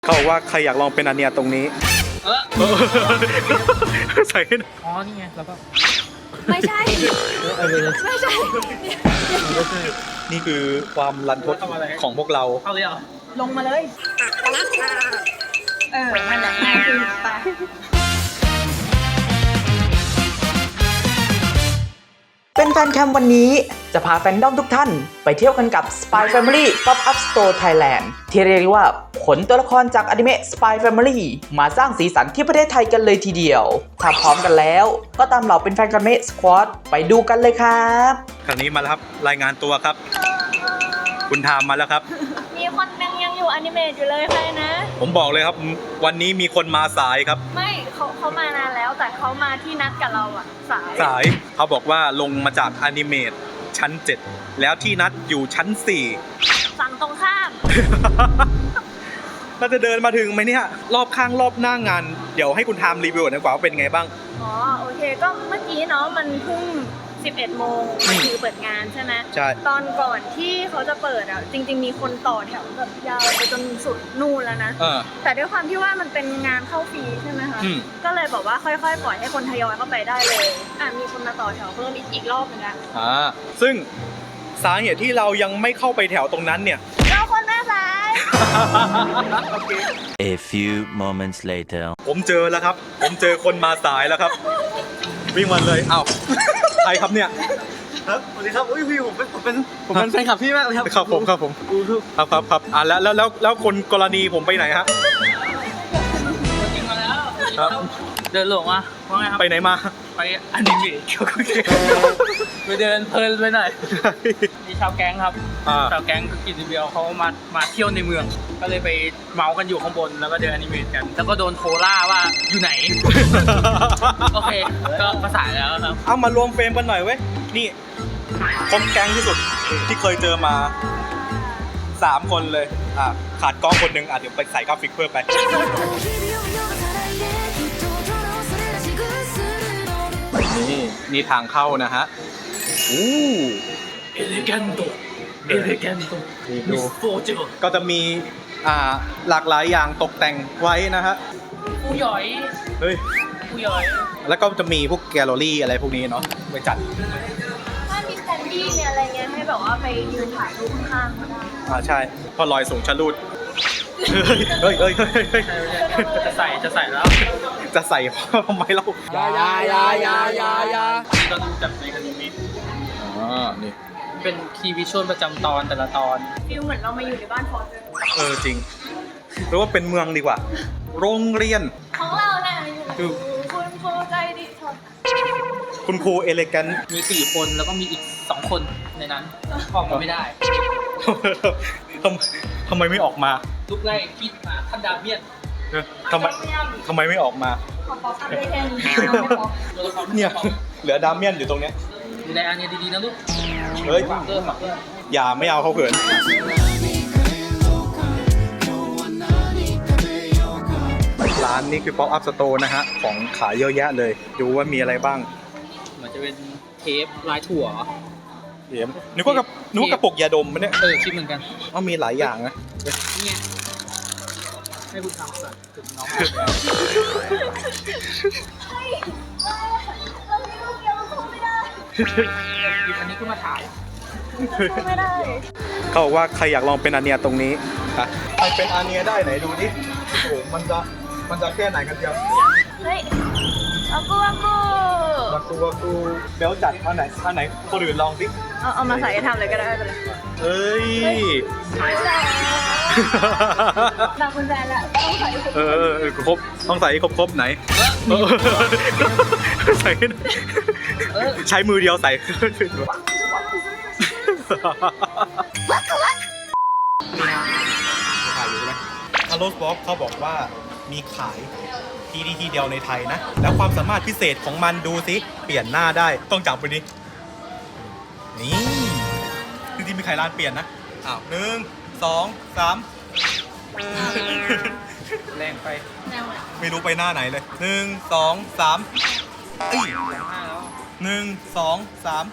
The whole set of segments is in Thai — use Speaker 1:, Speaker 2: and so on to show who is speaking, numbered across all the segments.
Speaker 1: เขาบอกว่าใครอยากลองเป็นอันเนียตรงนี้ใส่ให้หน่อย
Speaker 2: อ๋อนี่ไงแล้วก็
Speaker 3: ไม่ใช่ ไม่ใช่
Speaker 1: นี่คือความรันทดของพวกเรา
Speaker 2: เข้าเลยเหรอ
Speaker 3: ลงมาเลย มันแหละง่ายขึ้นไป
Speaker 4: เป็นแฟนแคมวันนี้จะพาแฟนดอมทุกท่านไปเที่ยวกันกับ Spy Family Pop-up Store Thailand ที่เรียกว่าขนตัวละครจากอนิเมะ Spy Family มาสร้างสีสันที่ประเทศไทยกันเลยทีเดียว ถ้าพร้อมกันแล้วก็ตามเหล่าเป็นแฟนกันเมะ Squad ไปดูกันเลยครับ
Speaker 1: ครั้งนี้มาแล้วครับรายงานตัวครับ คุณทามมาแล้วครับ
Speaker 3: มีคนยังอยู่อนิเมะอยู่เลยใครนะ
Speaker 1: ผมบอกเลยครับ วันนี้มีคนมาสายครับ
Speaker 3: ไม่เขามานานแล้วแต่เขามาที่นัดกับเราอะสาย
Speaker 1: สายเขาบอกว่าลงมาจากอนิเมตชั้น 7 แล้วที่นัดอยู่ชั้น
Speaker 3: ฝั่งตรงข้าม
Speaker 1: 4 เราจะเดินมาถึงไหมเนี่ย รอบข้างรอบหน้างาน เดี๋ยวให้คุณทามรีวิวหน่อยดีกว่าว่าเป็นไงบ้าง
Speaker 3: อ๋อโอเคก็เมื่อกี้เนาะมันเพิ่ง11 โมงมันคือเปิดงานใช่ไหม
Speaker 1: ใช่
Speaker 3: ตอนก่อนที่เขาจะเปิดอ่ะจริงๆมีคนต่อแถวแบบยาวไปจนสุดนู่นแล้วนะ แต่ด้วยความที่ว่ามันเป็นงานเข้าฟรีใช่ไหมคะ ก็เลยบอกว่าค่อยๆปล่อยให้คนทยอยเข้าไปได้เลยมีคนมาต่อแถวเพิ่มอีกรอบนึงนะ
Speaker 1: ซึ่งสาเหตุที่เรายังไม่เข้าไปแถวตรงนั้นเนี่ย
Speaker 3: เราคนหน้าซ้าย
Speaker 5: A few moments later.
Speaker 1: ผมเจอแล้วครับ ผมเจอคนมาสายแล้วครับ วิ่งมาเลยอ้าวใครครับเนี่ย
Speaker 2: ครับสวัสดีครับอุ้ยพี่ผมเป็นแฟนคลับพี่มากเลยครับ
Speaker 1: ครับผมครับแล้วคนกรณีผมไปไหนฮะ
Speaker 2: จริงมาแล้ว
Speaker 1: ครับ
Speaker 2: เดินหลงอ่ะว่าไงครับ
Speaker 1: ไปไหนมา
Speaker 2: ไปอนิเมะไปเดินเพลินไปหน่อยมีชาวแก๊งครับชาวแก๊งกินเบียวเขามาเที่ยวในเมือง ก็เลยไปเมากันอยู่ข้างบนแล้วก็เดินอนิเมะกัน แล้วก็โดนโทรล่าว่าอยู่ไหน โอเคก็ประสานแล้วครับ
Speaker 1: เอามารวมเฟรมกันหน่อยเว้ย นี่คมแก๊งที่สุดที่เคยเจอมา 3 คนเลยขาดกล้องคนหนึ่งเดี๋ยวไปใส่กราฟิกเพิ่มไป นี่ทางเข้านะฮะอู้
Speaker 2: เอเลแกนโตมิสโฟเจอร์
Speaker 1: ก็จะมีหลากหลายอย่างตกแต่งไว้นะฮะ
Speaker 2: ผู้หย่อย
Speaker 1: เฮ้ย
Speaker 2: ผู้หย่อย
Speaker 1: แล้วก็จะมีพวกแกลเลอรี่อะไรพวกนี้เนาะไว้จัด
Speaker 3: ถ้ามีสแตนดี้เนี่ยอะไรเงี้ยให้แบบว่าไปยืนถ่ายรูปข้างๆก็ได้
Speaker 1: ใช่พอลอยสูงชะลูดเฮ้ย
Speaker 2: จะใส่แล้ว
Speaker 1: จะใส่ทำไมเรา
Speaker 2: อย่าก็ดูจากในอนิเมะ
Speaker 1: นี่
Speaker 2: เป็นคีย์วิชวลประจำตอนแต่ละตอน
Speaker 3: ฟิลเหมือนเรามาอยู่ในบ้านฟอร์ด
Speaker 1: จริงหรือว่าเป็นเมืองดีกว่า โรงเรียน
Speaker 3: ของเราน่ะอยู่คุณครูใจดีชด
Speaker 1: คุณครูเอเลแกน
Speaker 2: มี4 คนแล้วก็มีอีก2 คนในนั้นออกมาไม่ได้
Speaker 1: ทำไมไม่ออกมา
Speaker 2: ลุกไล่คิดมาท่านดาเมียน
Speaker 1: ทำไมไม่ออกมา
Speaker 3: ขอป๊อปอัพได้แค่นี้น้องไม่ป๊อป
Speaker 2: ตัวละคร
Speaker 1: เนี่ยเหลือดามเมียนอยู่ตรงเนี้ย
Speaker 2: ดูแลอันนี้ดีๆนะลูก
Speaker 1: เฮ้ย
Speaker 2: ฝากเกอร์
Speaker 1: อย่าไม่เอาเขาเขินร้านนี้คือ Pop Up Store นะฮะ ของขายเยอะแยะเลย ดูว่ามีอะไรบ้าง
Speaker 2: เหมือนจะเป็นเทปลายถั่ว
Speaker 1: เดี๋ยวนึกว่ากระปุกยาดมมันเนี่ย
Speaker 2: คิดเหมือนกัน
Speaker 1: มีหลายอย่างนะ
Speaker 2: นี่ไงให้คุณทำสัตว์ถึงน้อง
Speaker 3: เรามีลูกเดียวเราคงไม่ได้
Speaker 2: หยิบอันนี้ขึ้นมาถ่าย
Speaker 3: คงไม่ได้
Speaker 1: เขาบอกว่าใครอยากลองเป็นอาเนียตรงนี้ใครเป็นอาเนียได้ไหนดูดิโอ้โหมันจะแค่ไหนกันเดียว
Speaker 3: เฮ้ยอากู
Speaker 1: ว่ากูเบลจัดอันไหนคนอื่นลองสิ
Speaker 3: เอามาใส่ทำเลยก็ได้ไปเลย
Speaker 1: เอ้ย
Speaker 3: ตาคุณแฟนละต้องใส่
Speaker 1: ครบต้องใส่ให้ครบไหนใส่ให้หน่อยใช้มือเดียวใส่ขายอยู่ใช่ไหมฮัลโหลบ็อกเขาบอกว่ามีขายที่เดียวในไทยนะ แล้วความสามารถพิเศษของมันดูสิเปลี่ยนหน้าได้ต้องจับไปดินี่จริงๆมีใครร้านเปลี่ยนนะ1 2 3
Speaker 2: แรงไป
Speaker 1: ไม่รู้ไปหน้าไหนเลย1 2 3เอ้ย1 2 3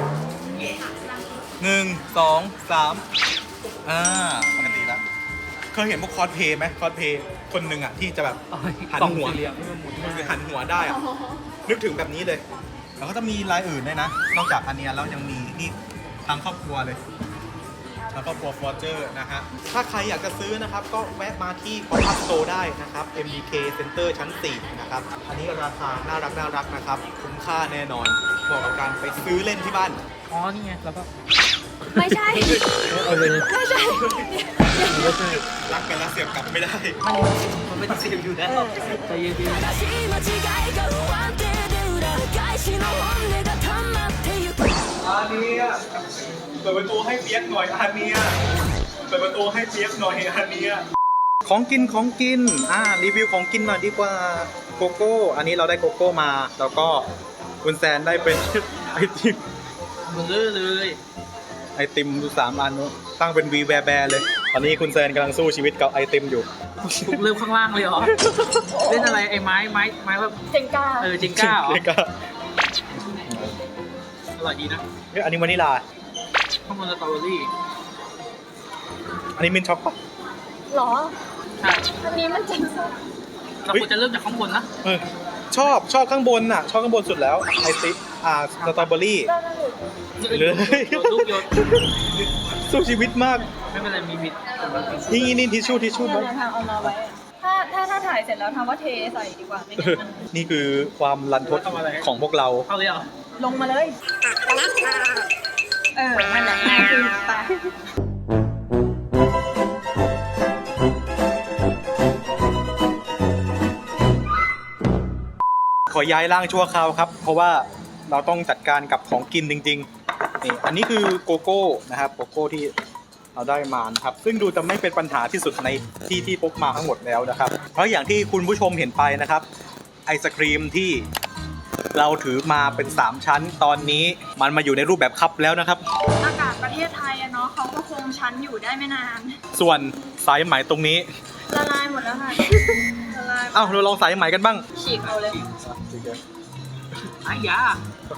Speaker 1: 1 2 3ปกติแล้วเคยเห็นพวกคอสเพย์ไหมคอสเพย์คนหนึ่งอ่ะที่จะแบบหันหัว
Speaker 2: กล่องสี่เหลี่ยมที่มันหมุน
Speaker 1: คือหันหัวได้อ่ะนึกถึงแบบนี้เลยแล้วก็จะมีลายอื่นด้วยนะนอกจากอันเนี้ยแล้วยังมีนี่ทางครอบครัวเลยแล้วก็ครัวฟอร์เจอร์นะฮะถ้าใครอยากจะซื้อนะครับก็แวะมาที่ Pop-up Store ได้นะครับ MBK Center ชั้น 4 นะครับอันนี้ราคาน่ารักนะครับคุ้มค่าแน่นอนเหมาะกับการไปซื้อเล่นที่บ้าน
Speaker 2: อ๋อนี่ไงแล้วก็
Speaker 3: ไม่ใช่
Speaker 2: เอาเลย
Speaker 3: ไม่ใช่
Speaker 1: รักกันแล้วเสียบกลับไม่ได้
Speaker 2: มันไม่ต้องเสียบอยู่แล้วใจเย็น
Speaker 6: 正しい間違いが不安定で裏返しの本音が溜まってゆく
Speaker 1: อาเนียเปิดประตูให้เปียกหน่อยอาเนียเปิดประตูให้เปียกหน่อยอาเนียของกินรีวิวของกินหน่อยดีกว่าโกโก้อันนี้เราได้โกโก้มาแล้วก็คุณแซนได้เป็นไอติม
Speaker 2: ๆมันเลย
Speaker 1: ไอติมดู3 อันนู้นตั้งเป็นวีแวร์แบร์เลยตอนนี้คุณแซนกำลังสู้ชีวิตกับไอติมอยู่
Speaker 2: ถูกเริ่มข้างล่างเลยเหรอเล่นอะไรไอ้ไม้แบบ
Speaker 3: เจงก้า
Speaker 2: เจงก้าเหรอ
Speaker 1: เรียกว่า
Speaker 2: อร่อยดีนะ
Speaker 1: อันนี้วานิลา
Speaker 2: ข้างบนสตรอเบอรี่
Speaker 1: อันนี้มินท์ช็อกปะ
Speaker 3: หรอ
Speaker 2: ใช่
Speaker 3: อันนี้มันเจงก้า
Speaker 2: เราควรจะเริ่มจากข้างบนนะ
Speaker 1: เออชอบข้างบนน่ะชอบข้างบนสุดแล้วไอติสตรอเบอรี่ เลย
Speaker 2: ลูกโยน
Speaker 1: สู้ชีวิตมาก
Speaker 2: ไม่เป็นไรมีมิด
Speaker 1: นี่ทิชชู่
Speaker 3: เนี่ย
Speaker 1: มั้ง
Speaker 3: ทางเอามาไว้อะถ้าถ่ายเสร็จแล้วทำว่าเทใส่ดีกว่าไม่งั้นมัน
Speaker 1: นี่คือความรันทดของพวกเรา
Speaker 2: เอาเลยเหรอ
Speaker 3: ลงมาเลยมันแหละง่ายขึ้นไป
Speaker 1: ขอย้ายร่างชั่วคราวครับ เพราะว่าเราต้องจัดการกับของกินจริงๆนี่อันนี้คือโกโก้นะครับโกโก้ที่เราได้มานะครับซึ่งดูจะไม่เป็นปัญหาที่สุดในที่พกมาทั้งหมดแล้วนะครับ เพราะอย่างที่คุณผู้ชมเห็นไปนะครับ ไอศครีมที่เราถือมาเป็น3ชั้นตอนนี้มันมาอยู่ในรูปแบบคัพแล้วนะครับ
Speaker 3: อากาศประเทศไทยอะเนาะเขาก็คงชั้นอยู่ได้ไม่นาน
Speaker 1: ส่วนสายไหมตรงนี้
Speaker 3: ละลายหมดแล้วค่ะละลาย
Speaker 1: อ้าวเราลองสายไหมกันบ้าง
Speaker 3: ฉีกเอาเลย
Speaker 2: ไอ้ยา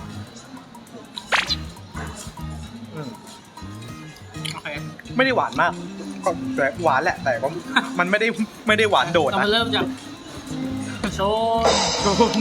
Speaker 1: อืม
Speaker 2: โอเค
Speaker 1: ไม่ได้หวานมากก็แต่หวานแหละแต่ก็มันไม่ได้หวานโดด
Speaker 2: เรา
Speaker 1: นะ
Speaker 2: มาเริ่มจากโชน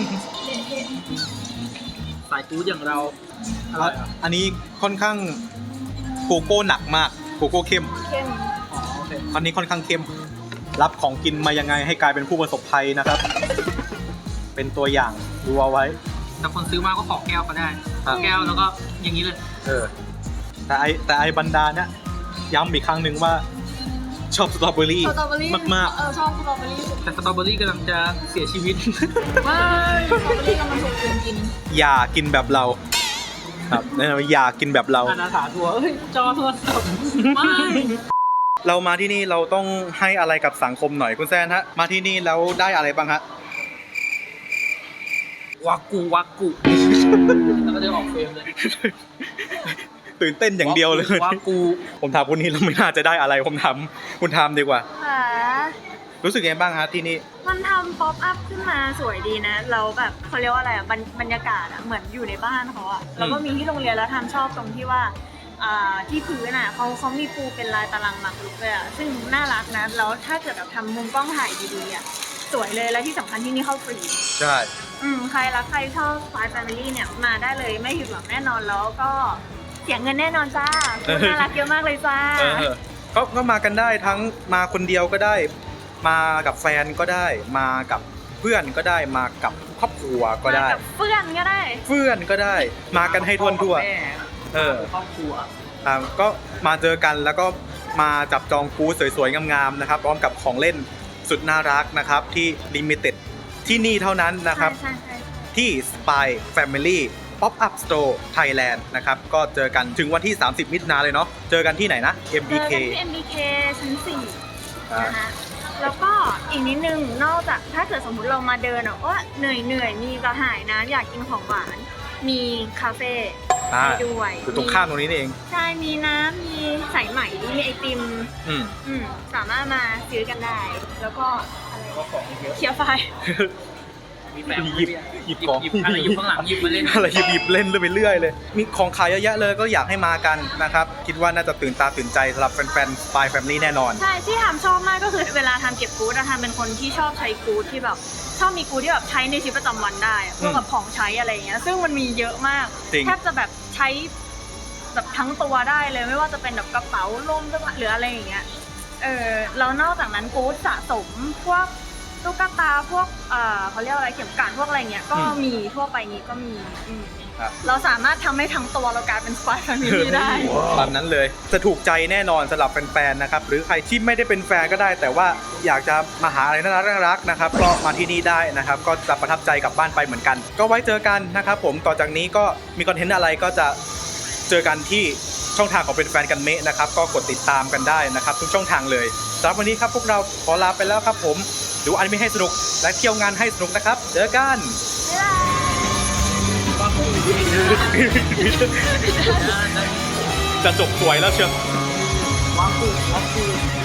Speaker 2: สายจู๊ดอย่างเราอร่อยเหรอ
Speaker 1: อันนี้ค่อนข้างโกโก้หนักมากโกโก้เข้ม
Speaker 3: เข้ม
Speaker 2: อ๋อโอเค
Speaker 1: อันนี้ค่อนข้างเข้ม รับของกินมายังไงให้กลายเป็นผู้ประสบภัยนะครับ เป็นตัวอย่างดูเอาไว้
Speaker 2: แต่คนซื้อมาก็ขอแก้วก็ได้ขอแก้วแล้วก็อย่างนี้เลย
Speaker 1: แต่ไอบรรดาเนี่ยย้ำอีกครั้งหนึ่งว่าชอบสตรอเบอรี่
Speaker 3: สตรอเบอรี่
Speaker 1: มาก
Speaker 3: ชอบสตรอเบอรี่
Speaker 2: แต่สตรอเบอรี่กำลังจะเสียชีวิต
Speaker 3: ไม่สตรอเบอรี่กำลังถูกกิน
Speaker 1: ๆ อย่ากินแบบเรา ครับแนะนำว่าอย่ากินแบบเรา
Speaker 2: อาณาถาทัวร์เอ้ยจอโทรศัพท์ไม่
Speaker 1: เรามาที่นี่เราต้องให้อะไรกับสังคมหน่อยคุณแซนฮะมาที่นี่แล้วได้อะไรบ้างฮะ
Speaker 2: วากูแล้วก็เดินออกเฟรมเลย
Speaker 1: ตื่นเต้นอย่างเดียวเลย
Speaker 2: วากู
Speaker 1: ผมถามคุณนี่เราไม่น่าจะได้อะไรผมถามคุณทามดีกว่า
Speaker 3: ค่ะ
Speaker 1: รู้สึกยังไงบ้างฮะที่นี่
Speaker 3: มันทำป๊อปอัพขึ้นมาสวยดีนะเราแบบเขาเรียกว่าอะไรอ่ะบรรยากาศอ่ะเหมือนอยู่ในบ้านเขาอ่ะแล้วก็มีที่โรงเรียนแล้วทำชอบตรงที่ว่าที่พื้นอ่ะเขามีปูเป็นลายตารางหมากรุกเลยอ่ะซึ่งน่ารักนะแล้วถ้าเกิดแบบทำมุมกล้องถ่ายดีๆอ่ะสวยเลยและที่สำคัญที่นี่เข้าฟรี
Speaker 1: ใช่
Speaker 3: ใครรักใครชอบ Spy Family เนี่ยมาได้เลยไม่ผิดหวังแน่นอนแล้วก็เสียเงินแน่นอนจ้าคุณน่ารักเยอะมากเลยจ้า
Speaker 1: ก็มากันได้ทั้งมาคนเดียวก็ได้ มากับแฟนก็ได้ มากับเพื่อนก็ได้มากับครอบครัวก็ได้
Speaker 3: มากับเพื่อนก็ได้
Speaker 1: เพื่อนก็ได้ มากันให้ทั่วทั่ว
Speaker 2: แม่ ครอบครัว
Speaker 1: ก็มาเจอกันแล้วก็มาจับจองบูธสวยๆงามๆนะครับพร้อมกับของเล่นสุดน่ารักนะครับที่ลิมิเต็ดที่นี่เท่านั้นนะครับ
Speaker 3: ใช่
Speaker 1: ที่ Spy Family Pop-up Store Thailand นะครับก็เจอกันถึงวันที่ 30 มิถุนายนเลยเนาะเจอกันที่ไหนนะ
Speaker 3: เจอ
Speaker 1: MBK
Speaker 3: กันที่ MBK ชั้น4นะคะแล้วก็อีกนิดนึงนอกจากถ้าเกิดสมมุติเรามาเดินว่าเหนื่อยมีกระหายน้ำอยากกินของหวานมีคาเฟ่ให้ด้วย
Speaker 1: อยู่ตรงข้ามตรงนี้นี่เอง
Speaker 3: ใช่มีน้ำมีสายไหมมีไอติม สามารถมาซื้อกันได้ แล้วก็อะไร
Speaker 2: ก็ของเยอะ
Speaker 3: เคียวไฟ
Speaker 1: ก
Speaker 2: มีแฟน
Speaker 1: หยิบของ
Speaker 2: หยิบอะไรอยู่ข้างหลังหยิบมาเล่น
Speaker 1: อะไรหยิบเล่นไปเรื่อยเลย มีของขายเยอะแยะเลยก็อยากให้มากันนะครับ คิดว่าน่าจะตื่นตาตื่นใจสำหรับแฟนๆ Spy Family แน่นอน
Speaker 3: ใช่ที่ทำชอบมากก็คือเวลาทำเก็บกู๊ดทำเป็นคนที่ชอบใช้กู๊ดที่แบบชอบมีกู๊ดที่แบบใช้ในชีวิตประจำวันได้พวกแบบของใช้อะไรอย่างเงี้ยซึ่งมันมีเยอะมาก
Speaker 1: จริง
Speaker 3: แทบจะแบบใช้แบบทั้งตัวได้เลยไม่ว่าจะเป็นแบบกระเป๋าล่มหรืออะไรอย่างเงี้ยแล้วนอกจากนั้นกู๊ดสะสมพวกตุ๊กตาพวกเขาเรียกอะไรเข็มกลัดพวกอะไรเงี้ยก็มีทั่วไปนี้ก็มีเราสามารถทำให้ทั้งตัวเรากลายเป็น Spy Family ได้
Speaker 1: ตามนั้นเลยจะถูกใจแน่นอนสำหรับแฟนๆ นะครับหรือใครที่ไม่ได้เป็นแฟนก็ได้ แต่ว่าอยากจะมาหาอะไรน่ารักๆนะครับก็มาที่นี่ได้นะครับก็จะประทับใจกลับบ้านไปเหมือนกัน ก็ไว้เจอกันนะครับผมต่อจากนี้ก็มีคอนเทนต์อะไรก็จะเจอกันที่ช่องทางของเป็นแฟนกันเมะนะครับก็กดติดตามกันได้นะครับทุกช่องทางเลยสำหรับวันนี้ครับพวกเราขอลาไปแล้วครับผมดูอนิเมะให้สนุกและเที่ยวงานให้สนุกนะครับเจอกัน จะจบสวยแล้วเชียว
Speaker 2: วางปู